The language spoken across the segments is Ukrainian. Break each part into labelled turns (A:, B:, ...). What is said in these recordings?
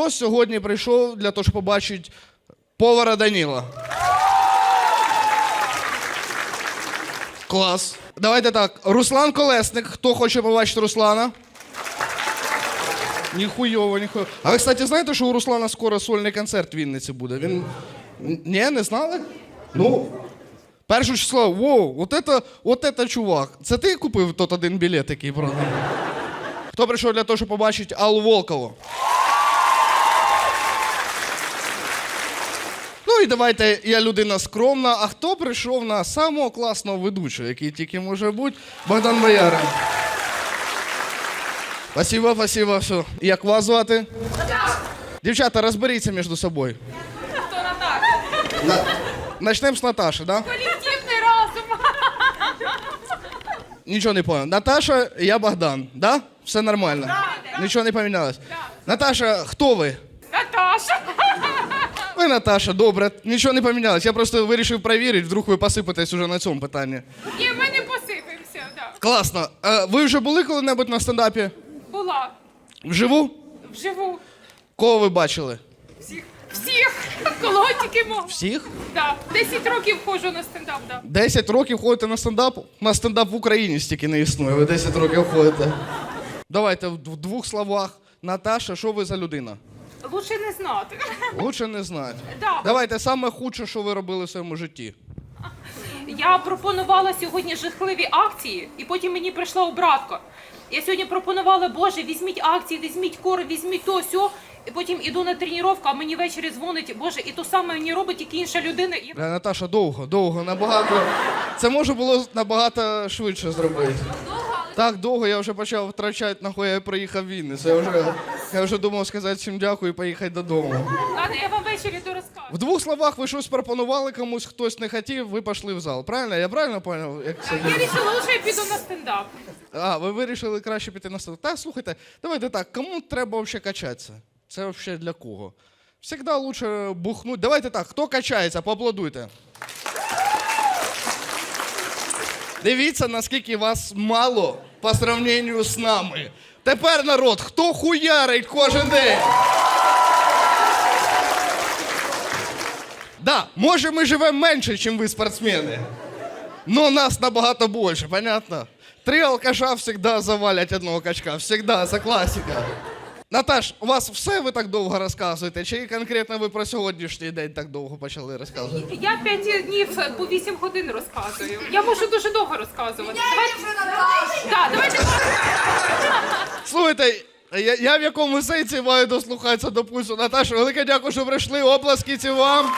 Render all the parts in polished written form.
A: Хто сьогодні прийшов для того, щоб побачити повара Даніла? Клас. Давайте так. Руслан Колесник. Хто хоче побачити Руслана? Ніхуйово, ніхуйово. А ви, кстати, знаєте, що у Руслана скоро сольний концерт в Вінниці буде? Він... Ні, не знали? Ну, 1 число. Воу, от это чувак. Це ти купив тот один білет, який продав? Хто прийшов для того, щоб побачити Аллу Волкову? Ну і давайте, я людина скромна, а хто прийшов на самого класного ведучого, який тільки може бути, Богдан Боярин. Спасибо, спасибо, все. Як вас звати? Дівчата, розберіться між собою.
B: Хто Наташа?
A: Начнемо з Наташі, да?
B: Колективний розум.
A: Нічого не понял. Наташа, я Богдан, да? Все нормально?
B: Да.
A: Нічого не помінялось? Наташа, хто ви?
B: Наташа.
A: Ви Наташа, добре, нічого не помінялось. Я просто вирішив перевірити, вдруг ви посипетесь уже на цьому питанні.
B: Ні, ми не посипемося, да.
A: Класно. Ви вже були коли-небудь на стендапі?
B: Була.
A: Вживу?
B: Вживу.
A: Кого ви бачили?
B: Всіх. Всіх. Кого тільки мог.
A: Всіх?
B: Да. 10 років ходжу на стендап, да. 10
A: років ходите на стендап? На стендап в Україні стільки не існує, ви 10 років ходите. Давайте в двох словах. Наташа, що ви за людина?
B: Лучше не знати.
A: Лучше не знати.
B: Да.
A: Давайте, саме худше, що ви робили в своєму житті.
B: Я пропонувала сьогодні жахливі акції, і потім мені прийшла обратка. Я сьогодні пропонувала, Боже, візьміть акції, візьміть кори, візьміть то, сьо. І потім іду на тренування, а мені ввечері дзвонить, Боже, і то саме мені робить тільки інша людина. І...
A: Наташа, довго, набагато. Це може було набагато швидше зробити. Так довго я вже почав втрачати, нахуй я приїхав в Вінницю. Я вже думав сказати всім дякую і поїхати додому.
B: Ладно, я вам ввечері то розкажу.
A: В двох словах ви щось пропонували комусь, хтось не хотів, ви пішли в зал. Правильно? Я правильно зрозумів?
B: Я вирішила, лучше я піду на стендап.
A: А, ви вирішили краще піти на стендап. Так, слухайте, давайте так, кому треба взагалі качатися? Це взагалі для кого? Всегда лучше бухнути. Давайте так, хто качається, поаплодуйте. Дивіться, наскільки вас мало по сравненню з нами. Тепер, народ, хто хуярить кожен день? Да, може ми живемо менше, ніж ви спортсмени. Но нас набагато більше, понятно? 3 алкаша завжди завалять одного качка. Всегда, це класика. Наташ, у вас все ви так довго розказуєте? Чи конкретно ви про сьогоднішній день так довго почали розказувати?
B: Я 5 днів по 8 годин розказую. Я можу дуже довго розказувати. Давайте.
A: Слухайте, я в якому сенсі маю дослухатися до пульсу. Наташа, велике дякую, що прийшли. Оплески ці вам.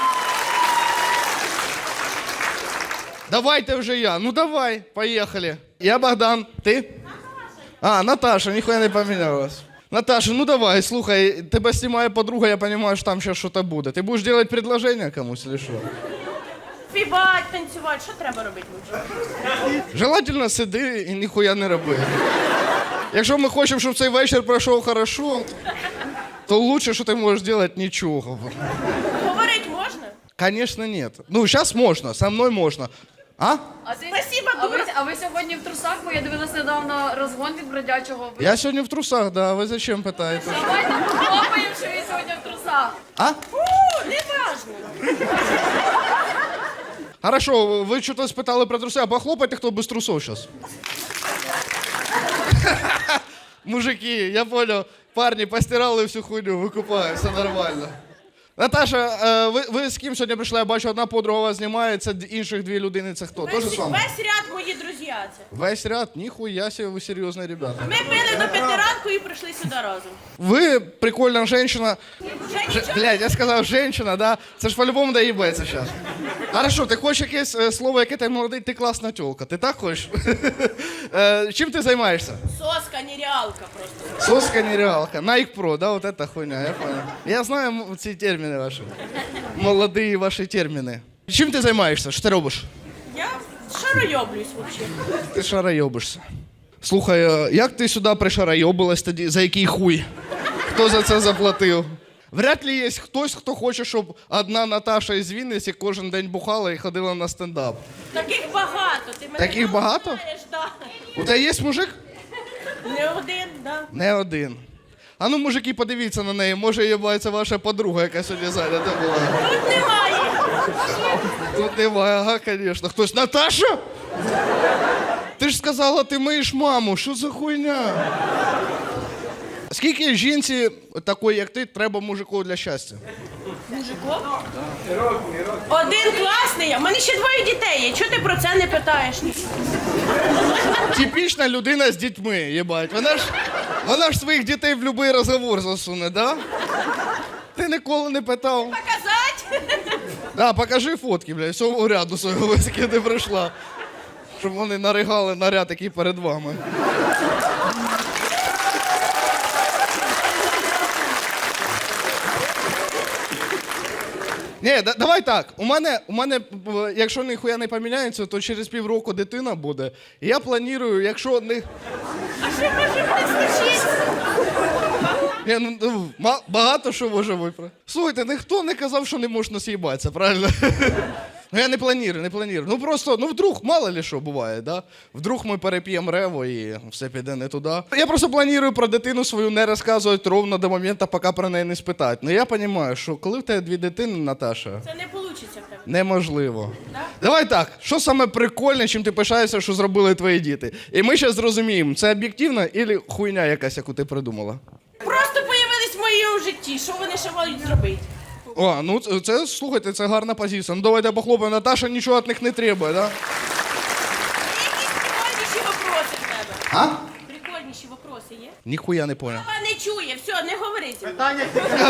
A: Давайте вже я. Ну давай, поїхали. Я Богдан, ти? А, Наташа, ніхуя не помінялась. Наташа, ну давай, слухай, тебе знімає подруга, я розумію, що там ще щось буде. Ти будеш робити предложення комусь, чи що?
C: Співати, танцювати, що треба робити лучше?
A: Желательно сиди і ніхуя не роби. Якщо ми хочемо, щоб цей вечір пройшов хорошо, то лучше, що ти можеш робити, нічого.
C: Говорить можна?
A: Конечно, нет. Ну, сейчас можно, со мной можно. А?
C: Спасибо, дура.
D: А ви сьогодні в трусах, бо я дивилась недавно розгон від бродячого.
A: Я сегодня в трусах, да, вы зачем пытаетесь?
D: Давайте похлопаємо, що він сьогодні в трусах.
A: А?
C: Не важно.
A: Хорошо, вы что-то спитали про трусы, а похлопайте, кто без трусов сейчас. Мужики, я понял, парни постирали всю хуйню, викупаю, все нормально. Наташа, ви з ким сьогодні прийшли? Я бачу, одна подруга вас знімає, це інших 2 людини, це хто? Тоже з вами?
C: Весь ряд мої друзі це.
A: Весь ряд? Ніхуя себе, ви серйозні ребята.
C: Ми пили до 5 ранку і прийшли сюди разом.
A: Ви прикольна женщина.
C: Женщина.
A: Блядь, я сказав женщина, да? Це ж по-любому доїбається зараз. Хорошо, ти хочеш якесь слово, яке ти молодий, ти класна тёлка. Ти так хочеш? Чим ти займаєшся?
C: Соска, нереалка просто.
A: Соска нереалка. Nike Pro, да, вот эта хуйня, я понял. Я знаю ці терміни ваші. Молоді ваші терміни. Чим ти займаєшся? Що ти робиш?
C: Я шаройоблюсь взагалі.
A: Ти шарайобишся. Слухай, як ти сюди пришарайобилась тоді? За який хуй? Хто за це заплатив? Вряд ли є хтось, хто хоче, щоб одна Наташа із Вінниці кожен день бухала і ходила на стендап.
C: Таких багато. Ти мене
A: Таких багато?
C: знаєш, да.
A: У тебе є мужик?
C: Не один, да.
A: Не один. А ну, мужики, подивіться на неї. Може, їбається ваша подруга, яка сьогодні зайнята була.
C: Тут немає.
A: Тут немає, ага, звісно. Хтось, Наташа? Ти ж сказала, ти миєш маму. Що за хуйня? Скільки жінці, такої, як ти, треба мужику для щастя?
C: Мужико? Один класний. У мене ще 2 дітей є. Чого ти про це не питаєш?
A: Типічна людина з дітьми, їбать. Вона ж своїх дітей в будь-який розговор засуне, да? Ти ніколи не питав.
C: Показать?
A: Да, покажи фотки, блядь, всього ряду свого весь, який ти прийшла. Щоб вони наригали наряд, який перед вами. Ні, давай так. У мене, якщо ніхуя не поміняється, то через півроку дитина буде. І я планую, якщо не...
C: А що може не случитися?
A: Ні, багато що може випрати. Слухайте, ніхто не казав, що не можна з'їбатися, правильно? Ну я не планую. Ну просто, вдруг, мало ли що буває, да? Вдруг ми переп'ємо рево і все піде не туди. Я просто планую про дитину свою не розказувати ровно до моменту, поки про неї не спитають. Ну я розумію, що коли в тебе 2 дитини, Наташа,
C: Це не вийде в тебе.
A: неможливо.
C: Да?
A: Давай так, що саме прикольне, чим ти пишаєшся, що зробили твої діти? І ми зараз зрозуміємо, це об'єктивно або хуйня якась, яку ти придумала?
C: Просто появились в моєму житті. Що вони ще мають зробити?
A: О, ну це, слухайте, це гарна позиція. Ну давайте похлопаємо. Наташа нічого від них не требує, да?
C: Якісь прикольніші вопроси в тебе.
A: А?
C: Прикольніші вопроси є?
A: Ніхуя не поняв.
C: Вона не чує, все, не говори зі мною.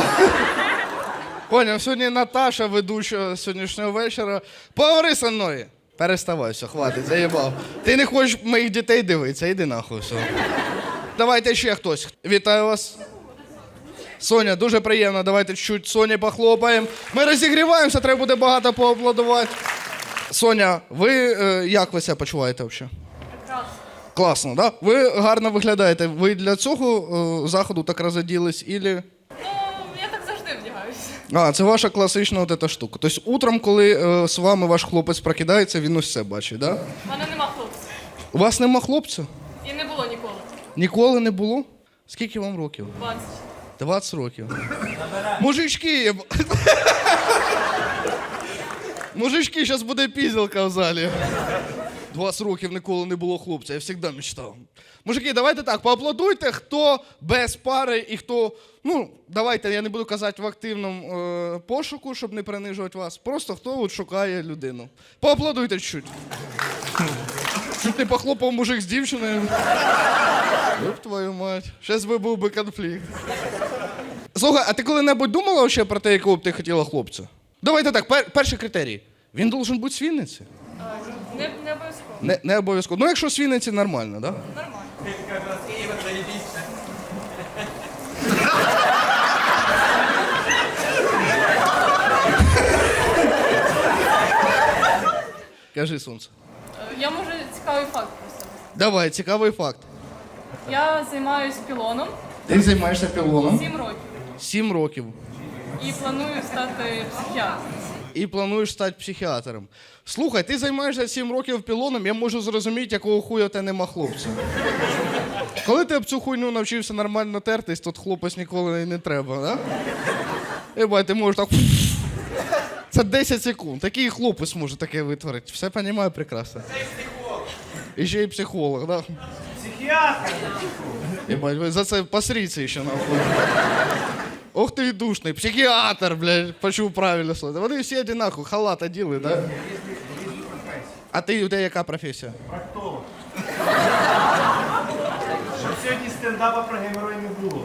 A: Поняв, сьогодні Наташа, ведуча сьогоднішнього вечора. Поговори зі мною. Переставай, все, хватить, заїбав. Ти не хочеш моїх дітей дивитися, іди нахуй, все. Давайте ще хтось. Вітаю вас. Соня, дуже приємно, давайте чуть Соні похлопаємо. Ми розігріваємося, треба буде багато поаплодувати. Соня, ви як ви себе почуваєте взагалі?
D: Прекрасно.
A: Класно, да? Ви гарно виглядаєте. Ви для цього заходу так розоділись, ілі...
D: Ну, я так завжди вдягаюся.
A: А, це ваша класична от ета штука. Тобто утром, коли з вами ваш хлопець прокидається, він усе бачить, да?
D: У мене нема хлопця.
A: У вас нема хлопця?
D: І не було ніколи.
A: Ніколи не було? Скільки вам років?
D: 20.
A: 20 років. Мужички, мужички, зараз буде пізділка в залі. 20 років ніколи не було хлопця, я завжди мечтав. Мужики, давайте так, поаплодуйте, хто без пари і хто, ну, давайте, я не буду казати в активному пошуку, щоб не принижувати вас. Просто хто от шукає людину. Поаплодуйте чуть-чуть. Чуть не похлопав мужик з дівчиною. Ёб твою мать. Щас би був би конфлікт. Слухай, а ти коли-небудь думала ще про те, якого б ти хотіла хлопця? Давайте так, перший критерій. Він должен бути з Вінниці?
D: Не обов'язково.
A: Не обов'язково. Ну, якщо з Вінниці, нормально, так? Да?
D: Нормально.
A: Кажи, сонце.
D: Я можу цікавий факт про себе.
A: Давай, цікавий факт.
D: Я займаюся пілоном
A: Ти займаєшся пілоном
D: 7 років
A: 7 років
D: і планую стати психіатром.
A: і плануєш стати психіатром. Слухай, ти займаєшся 7 років пілоном, я можу зрозуміти, якого хуя в тебе нема хлопця. Коли ти об цю хуйню навчився нормально тертись, то хлопець ніколи не треба, да? Ебать, ти можеш так... Це 10 секунд. Такий хлопець може таке витворити. Все розумію прекрасно. І ще й психолог, да?
E: Психіатр!
A: Ебать, ви за це посріться ще нахуй. Ох ти і душний. Психіатр, блядь, почув правильно слово. Вони всі одинаково, халат оділи, да? А ти, у тебе яка професія?
E: Проктолог. Щоб сьогодні стендапа про геморой не було.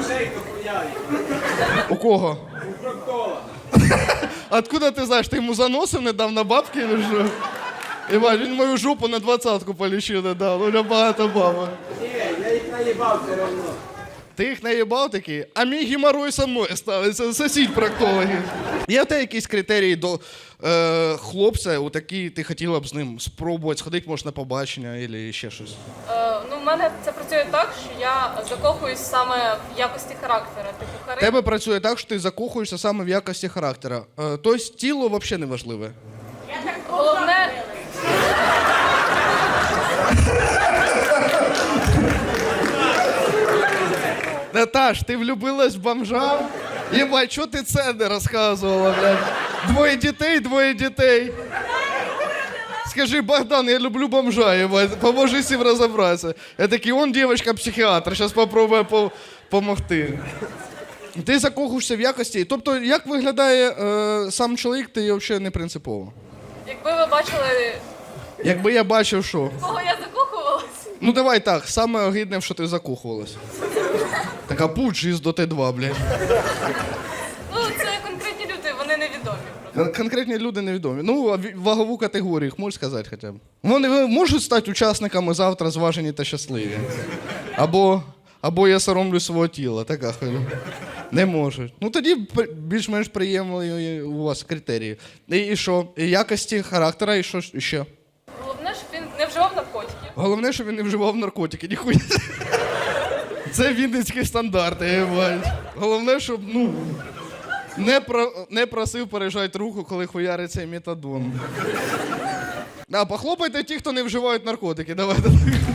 A: У кого? У проктолога. Откуда ти знаєш, ти йому заносив недавно бабки или що? Іван, він мою жопу на 20-ку полічив не дав, у нього багато бабок.
F: Ні, я їх наїбав все одно.
A: Ти їх наїбав такі, а мій геморой со мною ставиться, сусід проктологи. Є в тебе якісь критерії до хлопця, у такі ти хотіла б з ним спробувати, сходити, може, на побачення або ще щось?
D: Ну, в мене це працює так, що я закохуюсь саме в якості характера. Типу,
A: Тебе працює так, що ти закохуєшся саме в якості характера. Тобто тіло взагалі не важливе.
D: Головне,
A: Наташ, ти влюбилась в бомжа? Єбать, чого ти це не розказувала, блядь? Двоє дітей. Скажи, Богдан, я люблю бомжа, ебать, поможи всім розібратися. Я такий, он дівчинка-психіатр, зараз попробує помогти. Ти закохуєшся в якості. Тобто, як виглядає сам чоловік, ти взагалі не принципово.
D: Якби ви бачили,
A: Якби я бачив, що?
D: в кого я закохувалась,
A: Ну давай так, саме огидне, в що ти закохувалась. Така пуч із до Т2, блядь.
D: ну це конкретні люди, вони невідомі. просто.
A: Конкретні люди невідомі. Ну, а вагову категорію їх можеш сказати хоча б? Вони можуть стати учасниками завтра зважені та щасливі. Або я соромлюсь свого тіла, така хуйня. Не можуть. Ну тоді більш-менш приємні у вас критерії. І що? І якості характера, і що ще?
D: Головне, щоб він не вживав наркотиків.
A: Головне, щоб він не вживав наркотики, ніхуя. Це вінницькі стандарти, єбать. Головне, щоб, не просив пережати руку, коли хуярить цей метадон. Похлопайте ті, хто не вживають наркотики, давайте.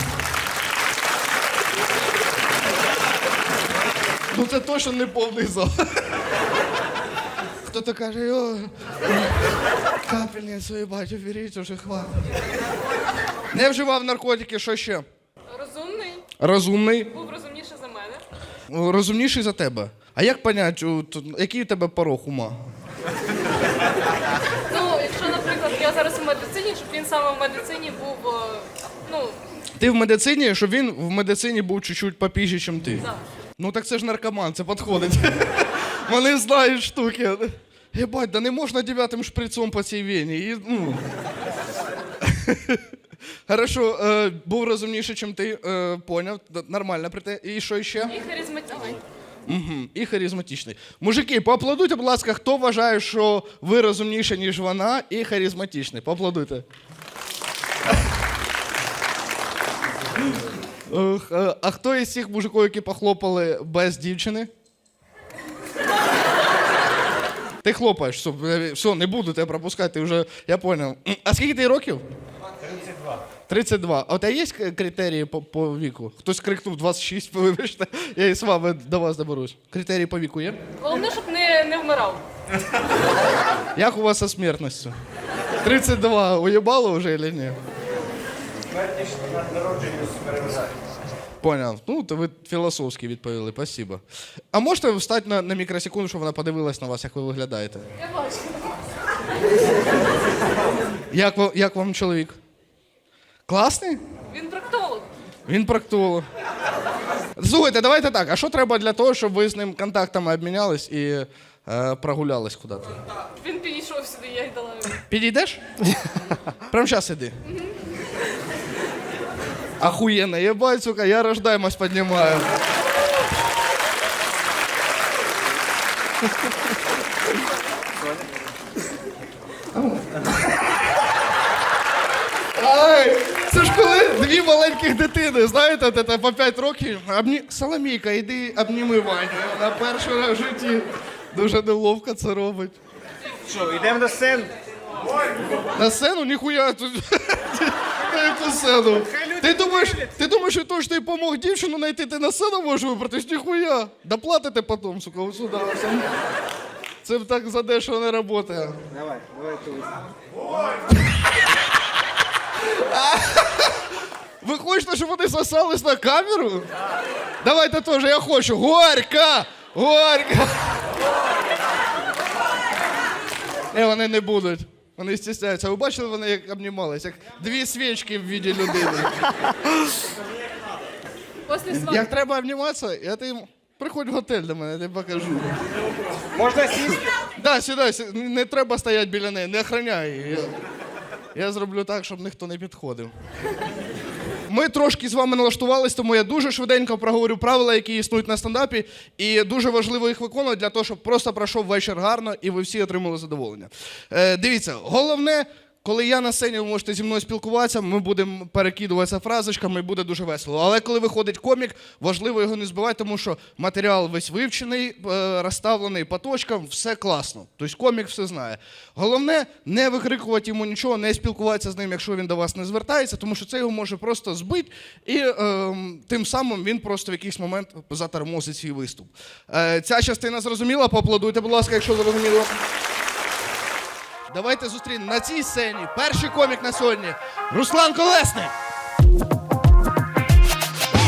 A: Ну це точно не повний зал. Хто-то каже, капельницю, їбать, уберіть, уже хватить. Не вживав наркотики, що ще?
D: Розумний,
A: Розумний.
D: був розумніший за мене.
A: Розумніший за тебе. А як понять, який у тебе порог ума?
D: Ну, якщо, наприклад, я зараз у медицині, щоб він саме в медицині був,
A: Ти в медицині, щоб він в медицині був чуть-чуть попіжі, ніж ти?
D: так.
A: Ну так це ж наркоман, це підходить. Вони знають штуки. Єбать, да не можна 9-м шприцом по цій вені. Хорошо, був розумніший, ніж ти, поняв, нормально при те. І що ще?
D: І харизматичний.
A: І харизматичний. Мужики, поаплодуйте, будь ласка, хто вважає, що ви розумніші, ніж вона, і харизматичний. Поаплодуйте. А хто із цих мужиків, які похлопали без дівчини? Ти хлопаєш, все, не буду тебе пропускати, ти вже, я понял. А скільки ти років?
E: 32.
A: 32. А у тебе є критерії по віку? Хтось крикнув 26, вибачте, я і з вами до вас доберусь. Критерії по віку є?
D: Головне, щоб не вмирав.
A: Як у вас со смертністю? 32. Уїбало вже чи ні?
E: Смертність над народженням переважає.
A: Поняв. Ну, то ви філософськи відповіли, спасибо. А можете встати на мікросекунду, щоб вона подивилась на вас, як ви виглядаєте?
D: Я бачу.
A: Як вам чоловік? Класний?
D: Він проктолог.
A: Він проктолог. Слухайте, давайте так, а що треба для того, щоб ви з ним контактами обмінялись і прогулялись кудись?
D: Він підійшов сюди, я й дала йому.
A: Підійдеш? Прямо зараз іди. Охуєнно, ебать, сука, я рождаємость піднімаю. Ай, це ж коли дві маленьких дитини, знаєте, от це по 5 років. Соломійка, іди обніми Ваню. На перший раз в житті дуже неловко це робить.
E: Що, йдемо до сцени?
A: На сцену? Ніхуя тут. На яку сцену? Ти думаєш, що то, що ти помог дівчину знайти, ти на сцену можеш вибратись? Ніхуя. Доплатите потім, сука, ось сюди. Це так задешево не працює.
E: Давай тут.
A: Ви хочете, щоб вони сосались на камеру? Давайте теж, я хочу. Горька! Горька! Вони не будуть. Вони стісняються. Ви бачили, вони як обнімались, як дві свічки в віді людини.
D: Після свадьби.
A: Як треба обніматися, я ти приходь в готель до мене, я тобі покажу.
E: Можна сісти?
A: Да, сідай, не треба стояти біля неї, не охороняй її. Я зроблю так, щоб ніхто не підходив. Ми трошки з вами налаштувались, тому я дуже швиденько проговорю правила, які існують на стендапі, і дуже важливо їх виконувати для того, щоб просто пройшов вечір гарно і ви всі отримали задоволення. Дивіться, головне, коли я на сцені, ви можете зі мною спілкуватися, ми будемо перекидуватися фразочками і буде дуже весело. Але коли виходить комік, важливо його не збивати, тому що матеріал весь вивчений, розставлений по точкам, все класно. Тобто комік все знає. Головне, не викрикувати йому нічого, не спілкуватися з ним, якщо він до вас не звертається, тому що це його може просто збити, і тим самим він просто в якийсь момент затормозить свій виступ. Ця частина зрозуміла? Поаплодуйте, будь ласка, якщо зрозуміло. Давайте зустрінемо на цій сцені перший комік на сьогодні – Руслан Колесник.